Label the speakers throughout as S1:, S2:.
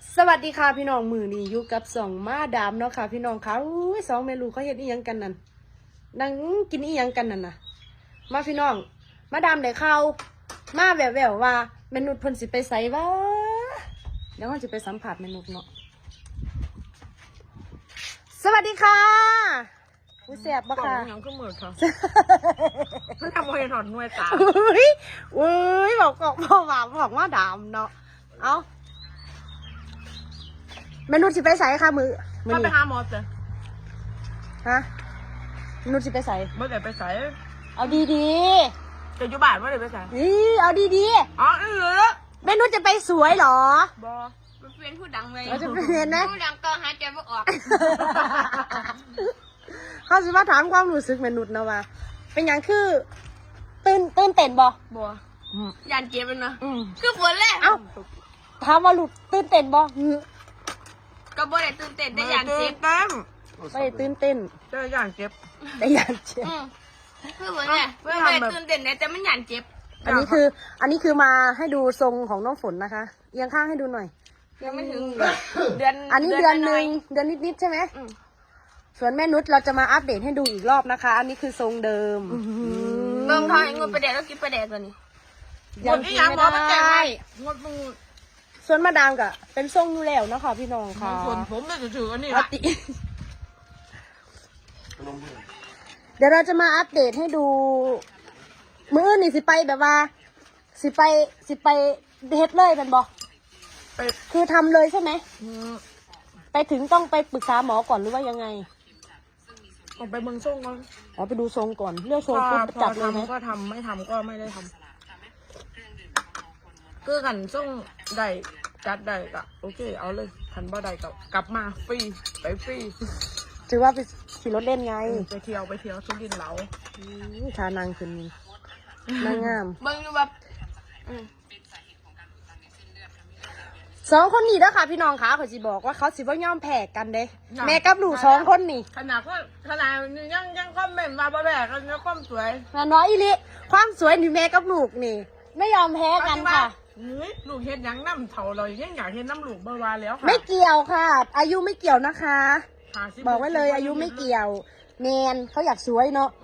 S1: สวัสดีค่ะพี่น้องมือนี้อยู่กับสองมาดามเนาะค่ะพี่น้องค่ะอุ้ยสองเมลูเขาเฮ็ดอีหยังกันนั่นนั่งกินอีหยังกันนั่นน่ะมาพี่น้องมาดามได้ข่าวมาแววๆว่าเมนุษย์เพิ่นสิไปไสวะเดี๋ยวเราจะไปสัมผัสเมนุษย์เนาะสวัสดีค่ะอุ้ยแซ่บบ่ค่ะ
S2: ยังก็เหมือนค่ะมันทำให้ถอดหน่วยตา
S1: อุ้ยบอกบอกว่าดามเนาะเอาเมนุษย์สิไปไสค่ะมือ
S2: ถ้าไป
S1: นี้
S2: หาหมอเสร็จ
S1: ฮะเมนุษย์สิไปไส
S2: เมื่อไหร่ไปใส่
S1: เอาดี
S2: จะอยู่บ้านเมื่อไหร่ไปใส่
S1: ๆนี่เอาดี
S2: อ๋อ
S1: ๆเมนุษย์จะไปสวยเหรอ
S2: บอ
S3: เป็นผู้ดังเลย
S1: เราจะไปเห็นนะ
S3: ผู้ดังก็หายใจไม่ออก
S1: เขาสิมาถามความรู้สึกเมนุษย์นะว่าเป็นอย่างคือตื่นเต้นบ่
S3: บัวยันเจ็บเลยนะ
S1: อืม
S3: คือฝนแรก
S1: เอ้าถามว่าหลุดตื่นเต้นบ่หือ
S3: ก็บ่ได้ตื่นเต้นได้ยันเจ็บ
S2: เต็ม
S1: ไม่ได้ตื่นเต้น
S2: เจออย่างเจ็บ
S1: แต่อยากเจ็บ
S3: คือฝนแรกไม่ได้ตื่นเต้นนะแต่มันยันเจ็บ
S1: อันนี้คือมาให้ดูทรงของน้องฝนนะคะเอียงข้างให้ดูหน่อย
S3: ยังไม่ถึงเดือน
S1: อันนี้เดือนหนึ่งเดือนนิดๆใช่ไหมส่วนแม่นุชเราจะมาอัปเดตให้ดูอีกรอบนะคะ อันนี้คือทรงเดิม
S3: เบิ่งทางงดประเดี๋ยวแล้วกินประเดี๋ยวตัวนี้
S2: หมดที่ยังหมอมาแจ้งให้งดมือ
S1: ส่วนมาดามก็เป็นทรงอยู่แล้วเนาะค่ะพี่น้องค่ะ
S2: ส่วนผมเนี่ยถืออันนี้
S1: ป
S2: ละ
S1: กติเดี๋ยวเราจะมาอัปเดตให้ดู มื้ออื่นนี่สิไปแบบว่า สิไปเฮ็ดเลยเป็นบอ
S2: ไป
S1: คือทำเลยใช่ไหมไปถึงต้องไปปรึกษาหมอก่อนหรือว่ายังไง
S2: ออกไปเมืองส่งก่อน
S1: อ๋อไปดูทรงก่อนเลือกทรงปุ๊บ
S2: พอ
S1: จัดเลยไหม
S2: ทำก็ทำไม่ทำก็ไม่ได้ทำคือกันส่งได้จัดได้ก็โอเคเอาเลยทันบ่ได้ก็กลับมาฟรีไปฟรี
S1: ถือว่าไปขี่รถเล่นไง
S2: ไปเที่ยวสุรินทร์เหลา
S1: ทานางขึ้นนี่นางงาม
S3: เบิ่งอยู่แบบ
S1: สองคนนี้แล้วค่ะพี่น้องคะเขาสิบอกว่าเขาสิบ่ยอมแพ้กันเด้แม่กับหนูสองคนนี่
S2: ขนาดยังคอมเมนต์มาบ่แบกกันยังความสวย
S1: น้อยอีลิความสวยนี่แม่กับลูกนี่ ไม่ยอมแพ้กันค่ะ
S2: ลูกเฮ็ดยังน้ำเถาเรายังอยากเห็นน้ำลูกบ่าวาแล้วค่ะ
S1: ไม่เกี่ยวค่ะ อายุไม่เกี่ยวนะคะ
S2: 50
S1: บอกไว้เลยอายุไม่เกี่ยวแมนเขาอยากสวยเนาะ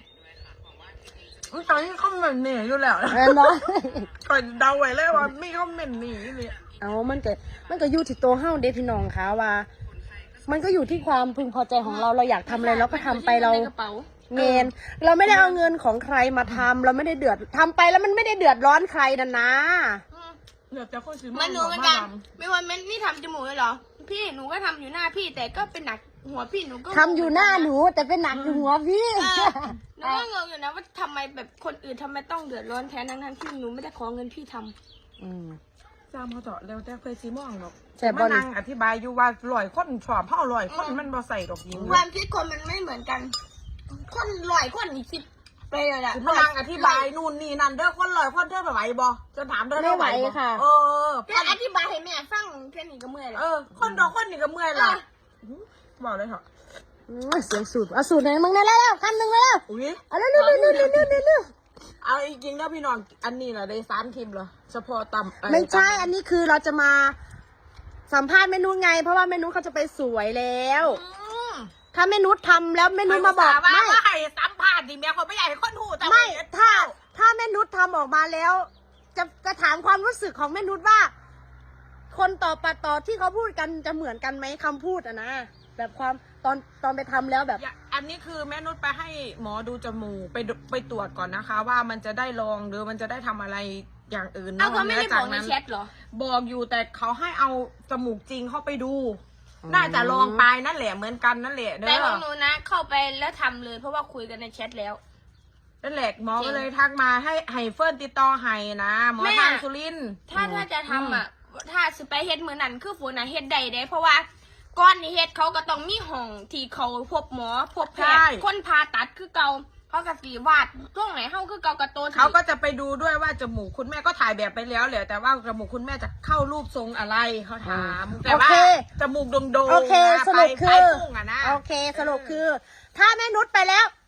S2: ตอนนี้คอมเมนต์หนีอยู่แล้ว
S1: เนาะ
S2: ก่อนเดาไว้เลยว่าไม่คอมเมนต์หนีเลย
S1: เอามันก็อยู่ที่ตัวเฮาเด้พี่น้องคะว่า มันก็อยู่ที่ความพึงพอใจของเราเราอยากทำอะไรเราก็ทำไปเรา
S3: กระเป๋า
S1: เมนเราไม่ได้เอาเงินของใครมาทำเราไม่ได้เดือดทำไปแล้วมันไม่ได้เดือดร้อนใครนะนะ
S2: เดี๋ยวจะคนซื้อ
S3: มันหนูเหมือนกันไม่ว่ามันนี่ทำจมูกเลยเหรอพี่หนูก็ทำอยู่หน้าพี่แต่ก็เป็นหนักหัวพี่หนูก็
S1: ทำอยู่หน้าหนูแต่เป็นหนักอยู่หัวพี่
S3: หนูก็งงอยู่นะว่าทำไมแบบคนอื่นทำไมต้องเดือดร้อนแทนทั้งที่หนูไม่ได้ขอเงินพี่ทำ
S2: จามเขาเถอะแล้วแต่เคยซีม่องหรอก
S1: แต่บ่
S2: มานั่งอธิบายอยู่ว่าลอยคนชอบเผาลอยคนมันบ่ใส่ดอกยิง
S3: ความคิดคนมันไม่เหมือนกัน คนลอยคนอีกสิบไปเลยอะ
S2: มานั่งอธิบายนู่นนี่นั่นเด้อคนลอยคนเด้อไหวบ่จะถามเด้อ
S1: ไม่ไหว
S2: บ่
S1: ค่ะ
S2: เออ
S3: แค่อธิบายให้แม่ฟังแค่นี้ก็เมื่อยแล้ว
S2: คนดอกคนนี่ก็เมื่อยละบอกเลยเถอะ
S1: เสียงสูตรเอาสูตรไหนมึงได้แล้วคำหนึ่งแล้ว
S2: อุ้ย
S1: เอาเร็วๆ
S2: เอาจริงๆนะพี่น้องอันนี้แหละได้3 คลิปเหรอเฉพาะตำ
S1: ไม่ใช่อันนี้คือเราจะมาสัมภาษณ์เมนูไง เพราะว่าเมนูเขาจะไปสวยแล้ว ถ้าเมนูทำแล้วเมนูมาบอก
S2: ว่า
S1: ไม่
S2: ให้สัมภาษณ์ดิแม่คนไม่อยากให้คนหูแต่
S1: ไม่ถ้าเมนูทำออกมาแล้ว จะถามความรู้สึกของเมนูว่า คนต่อที่เขาพูดกันจะเหมือนกันไหมคำพูดอะนะแบบความตอนไปทำแล้วแบบ
S2: อันนี้คือแม่นุชไปให้หมอดูจมูกไปตรวจก่อนนะคะ ว่ามันจะได้ลองหรือมันจะได้ทำอะไรอย่างอื่น
S3: เอาเขาไม่ได้บอกในแชทเหรอ
S2: บอกอยู่แต่เขาให้เอาจมูกจริงเข้าไปดู น่าจะลองไปนั่นแหละเหมือนกันนั่นแหละเด้
S3: แต่ข
S2: อ
S3: องหนูนะ เข้าไปแล้วทำเลยเพราะว่าคุยกันในแชทแล้ว
S2: นั่นแหละหมอก็เลยทักมาให้เฟิร์นติดต่อให้นะหมอ
S3: แม่
S2: ทางสุรินทร์
S3: ถ้าจะทำอ่ะ ถ้าสไปเฮ็ดมือนั้นคือฝนน่ะเฮ็ดได้เด้เพราะว่าก้อนนี่เฮ็ดเขาก็ต้องมีห้องที่เขาพบหมอพบแพทย์คนผ่าตัดคือเก่าเขาก็สีวาดตรงไหนเฮาคือเก่ากระโตน
S2: เขาก็จะไปดูด้วยว่าจมูกคุณแม่ก็ถ่ายแบบไปแล้วแหละแต่ว่าจมูกคุณแม่จะเข้ารูปทรงอะไรเขาถามแต่ว่าจมูกโด่งๆ
S1: โอเค
S2: นะ
S1: สรุปคือ
S2: ไปพุ่งอะนะ
S1: โอเคสรุปคือ ถ้าแม่นุชไปแล้ว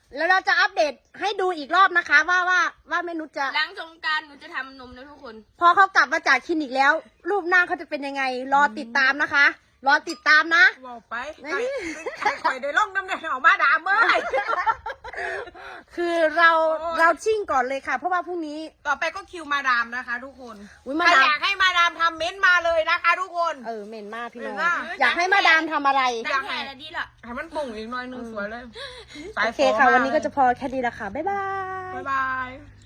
S1: แล้วเราจะอัปเดตให้ดูอีกรอบนะคะว่าแม่นุชจะ
S3: หลังสงกรานต์หนูจะทำนมนะทุกคน
S1: พอเขากลับมาจากคลินิกแล้ว รูปหน้าเขาจะเป็นยังไง รอติดตามนะคะ รอติดตามนะ
S2: บอกไปใครข่อยได้ล่องน้ำเนี่ยออกมาด่าเมื่อย
S1: คือเราชิ่งก่อนเลยค่ะ เพราะว่าพรุ่งนี้
S2: ต่อไปก็คิวมาดามนะคะ ทุกคน
S1: อุ๊ย
S2: ใค
S1: มาร ดาม
S2: อยากให้มาดามทำเม้นต์มาเลยนะคะ ทุกคน
S1: เหม็นมากพี่น้อง
S2: เหม็นมาก
S1: อยากให้มาดามทำอะไร
S3: ตั้งแต่ละดีละ
S2: ให้มันปุ่งอีกหน่อยนึงสวยเลย
S1: โอเคค่ะ วันนี้ก็จะพอแค่นี้ละค่ะ บ๊ายบาย
S2: บ๊ายบาย